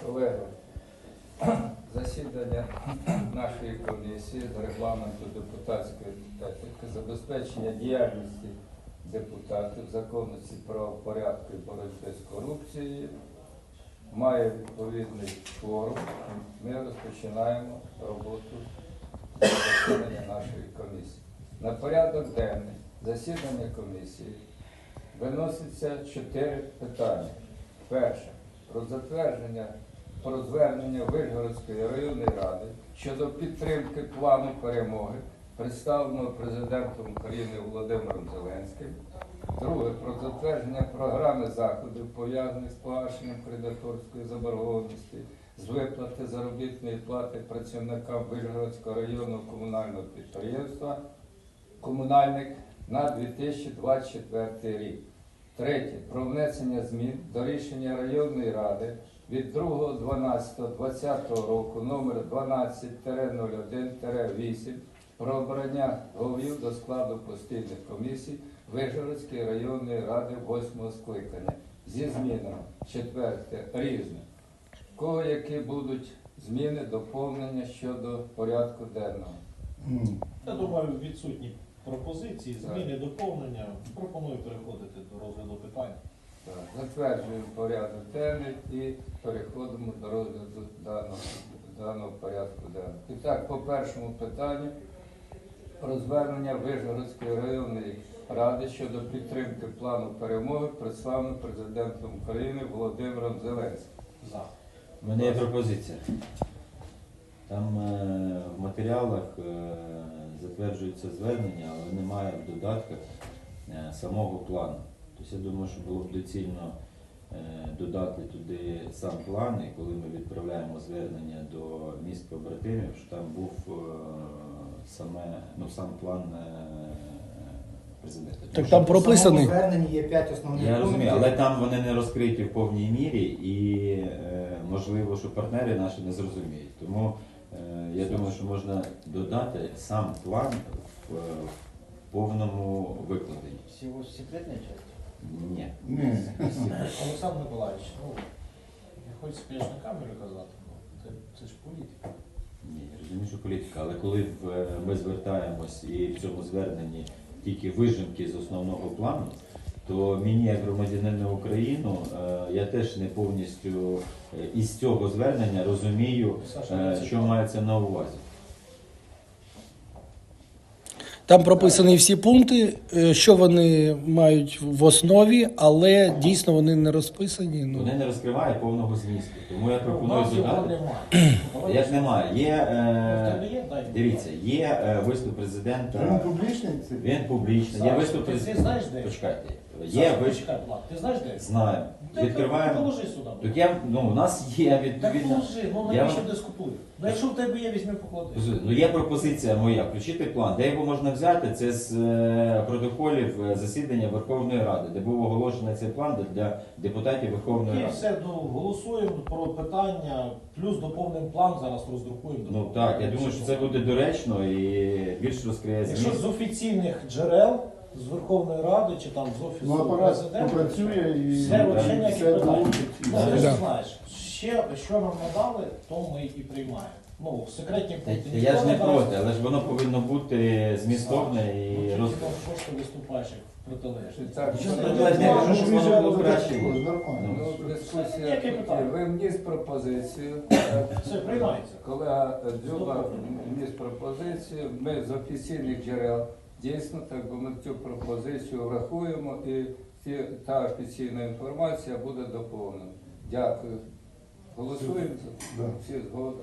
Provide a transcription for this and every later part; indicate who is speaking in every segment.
Speaker 1: Колеги, засідання нашої комісії з регламенту депутатської етики, забезпечення діяльності депутатів, законності правопорядку і боротьби з корупцією має відповідний форум. Ми розпочинаємо роботу засідання нашої комісії. На порядок денний засідання комісії виноситься 4 питання. Перше. Про звернення Вишгородської районної ради щодо підтримки плану перемоги, представленого Президентом України Володимиром Зеленським. Друге. Про затвердження програми заходів, пов'язаних з погашенням кредиторської заборгованості, з виплати заробітної плати працівникам Вишгородського районного комунального підприємства «Комунальник» на 2024 рік. Третє. Про внесення змін до рішення районної ради від 2.12.2020 року номер 12-01-8 про обрання голів до складу постійних комісій Вишгородської районної ради 8-го скликання зі змінами. Четверте. Різне. В кого які будуть зміни, доповнення щодо порядку денного?
Speaker 2: Я думаю, відсутні пропозиції, зміни, доповнення. Пропоную переходити до розгляду питань.
Speaker 1: Так. Затверджуємо порядок денний і переходимо до розгляду даного порядку денного. І так, по першому питанню про звернення Вишгородської районної ради щодо підтримки плану перемоги, представленого Президентом України Володимиром Зеленським.
Speaker 2: За.
Speaker 3: У мене є пропозиція. Там в матеріалах затверджується звернення, але немає в додатках самого плану. Тобто я думаю, що було б доцільно додати туди сам план, і коли ми відправляємо звернення до міст побратимів, що там був сам план президента.
Speaker 4: Так там прописаний.
Speaker 5: В зверненні є 5 основних
Speaker 3: Я
Speaker 5: пунктів.
Speaker 3: розумію, але там вони не розкриті в повній мірі і можливо, що партнери наші не зрозуміють. Тому я думаю, що можна додати сам план в повному викладенні.
Speaker 6: Всего секретной части?
Speaker 3: Ні.
Speaker 2: Олександр Миколаївич, не хочеться, звісно, камеру казати, але це ж політика.
Speaker 3: Ні, я розумію, що політика, але коли ми звертаємось і в цьому зверненні тільки вижимки з основного плану, то мені, як громадянину України, я теж не повністю із цього звернення розумію, що мається на увазі.
Speaker 4: Там прописані всі пункти, що вони мають в основі, але дійсно вони не розписані.
Speaker 3: Вони не розкривають повного змісту. Тому я
Speaker 2: У
Speaker 3: пропоную
Speaker 2: нас його
Speaker 3: додати.
Speaker 2: немає.
Speaker 3: Як немає? Дивіться,
Speaker 2: Є?
Speaker 3: є виступ
Speaker 5: Він
Speaker 3: президента.
Speaker 5: публічний?
Speaker 3: Він публічний. Є виступ
Speaker 2: Ти
Speaker 3: президента.
Speaker 2: знаєш де?
Speaker 3: Почекайте. Є виступ.
Speaker 2: Ти знаєш де?
Speaker 3: Знаю. Відкриваємо.
Speaker 2: Положи сюди.
Speaker 3: Так у нас є
Speaker 2: Так
Speaker 3: відповідно.
Speaker 2: положи, навіщо дискутує? Ну якщо в тебе є, візьми поклади.
Speaker 3: Є пропозиція моя, включити план. Де його можна взяти? Це з протоколів засідання Верховної Ради, де був оголошений цей план для депутатів Верховної
Speaker 2: І
Speaker 3: Ради.
Speaker 2: все, голосуємо про питання, плюс доповнимо план, зараз роздрукуємо.
Speaker 3: Ну так, я думаю, що це буде доречно і більш розкриє
Speaker 2: Якщо
Speaker 3: зміст.
Speaker 2: з офіційних джерел, з Верховної Ради чи там з Офісу
Speaker 5: апарат
Speaker 2: Президента,
Speaker 5: попрацює і
Speaker 2: все, взагалі ніяких
Speaker 5: все
Speaker 2: питань.
Speaker 5: долучить.
Speaker 2: Ну, ти ж
Speaker 4: Да.
Speaker 2: знаєш, що нам надали, то ми і приймаємо. Ну, секретні пункти
Speaker 3: Я ж не
Speaker 2: ніхто
Speaker 3: проти, але ж воно повинно бути змістовне і
Speaker 2: Ну,
Speaker 3: розкрите.
Speaker 2: просто виступаєш як протилежний.
Speaker 1: Так,
Speaker 2: Що
Speaker 1: ну,
Speaker 2: тоді
Speaker 3: я не
Speaker 2: можна?
Speaker 3: кажу, що воно було краще.
Speaker 5: Нормально.
Speaker 1: Ну, дискусія
Speaker 2: Яке
Speaker 1: тут
Speaker 2: питання?
Speaker 1: є. Ви вніс пропозицію.
Speaker 2: Все, приймається.
Speaker 1: Колега Дзюба вніс пропозицію. Ми з офіційних джерел дійсно так, бо ми цю пропозицію врахуємо і та офіційна інформація буде доповнена. Дякую. Голосуємо за
Speaker 5: Да.
Speaker 1: всі згода.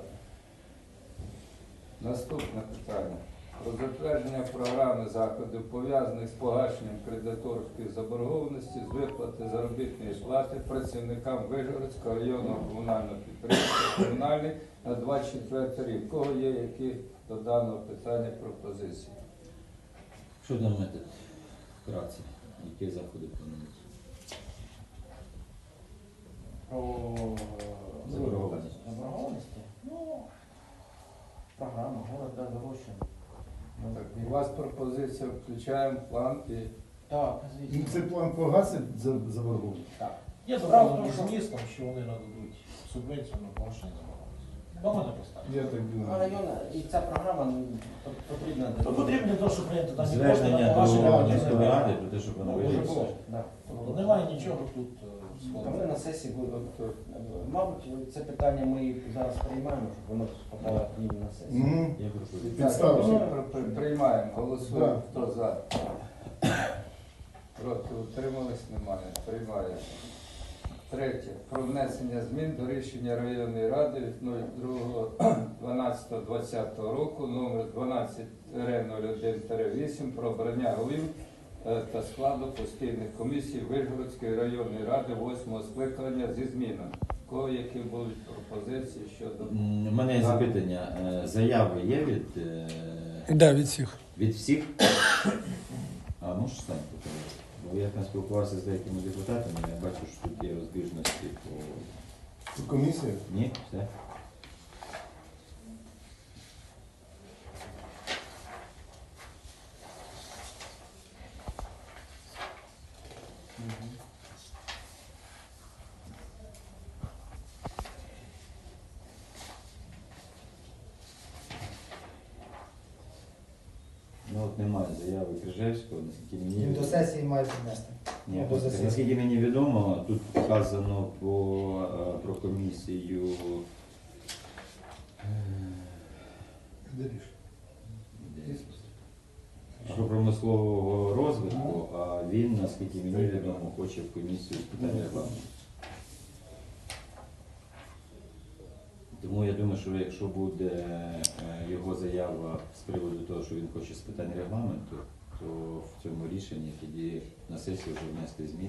Speaker 1: Наступне питання. Про затвердження програми заходів, пов'язаних з погашенням кредиторської заборгованості, з виплати заробітної плати працівникам Вишгородського районного комунального підприємства «Комунальний» на 24 рік. У кого є які до даного питання пропозиції?
Speaker 3: Що думаєте вкратце? Які заходи плануються? Заборгованість.
Speaker 6: Заборгованности? Ну, программа «Город Дорогощин».
Speaker 1: Так, у вас пропозиція, включаємо план і
Speaker 6: Так,
Speaker 5: Ну, цей план погасить заборгованість?
Speaker 6: Так.
Speaker 2: Є доповнений змістом, що вони нададуть субвенцію на погашення заборгованості. До мене поставили.
Speaker 5: Я так
Speaker 6: А
Speaker 5: думаю.
Speaker 6: район, і ця програма потрібна
Speaker 2: То потрібно для того, щоб прийняти дані кошти
Speaker 3: Звернення
Speaker 6: Ну,
Speaker 2: на
Speaker 3: до
Speaker 2: погашення
Speaker 3: міської
Speaker 2: заборгованості.
Speaker 3: ради про те, щоб вона
Speaker 2: Ну, вже
Speaker 3: вирішила.
Speaker 2: було.
Speaker 6: Да.
Speaker 2: Тобто немає нічого тут
Speaker 6: Ми
Speaker 2: складного.
Speaker 6: на сесії будемо. Мабуть, це питання ми зараз приймаємо, щоб воно попало к ним на сесію.
Speaker 5: Мгм.
Speaker 3: Є пропозиція.
Speaker 5: Підставити.
Speaker 1: Приймаємо, голосуємо.
Speaker 5: Да.
Speaker 1: Хто за? Проти утримались? Немає. Приймаємо. Третє. Про внесення змін до рішення районної ради від 02.12.2020 року номер 12-01-8 про обрання голів та складу постійних комісій Вишгородської районної ради 8-го скликання зі змінами. У кого які будуть пропозиції щодо
Speaker 3: У мене є запитання. Заяви є
Speaker 4: Да, від всіх.
Speaker 3: від всіх? А можеш стати? Бо я там спілкувався з деякими депутатами, я бачу, що тут є розбіжності по...
Speaker 5: Комісія?
Speaker 3: Ні? Все? Ну от немає заяви Крижевського, наскільки мені
Speaker 5: Він до
Speaker 3: відомо.
Speaker 5: сесії має піднести.
Speaker 3: Ні,
Speaker 5: до засідання.
Speaker 3: наскільки мені відомо, тут вказано про комісію агропромислового розвитку, а він, наскільки мені відомо, хоче в комісію з питань регламенту. Тому я думаю, що якщо буде його заява з приводу того, що він хоче з питань регламенту, то в цьому рішенні тоді на сесію вже внести зміни.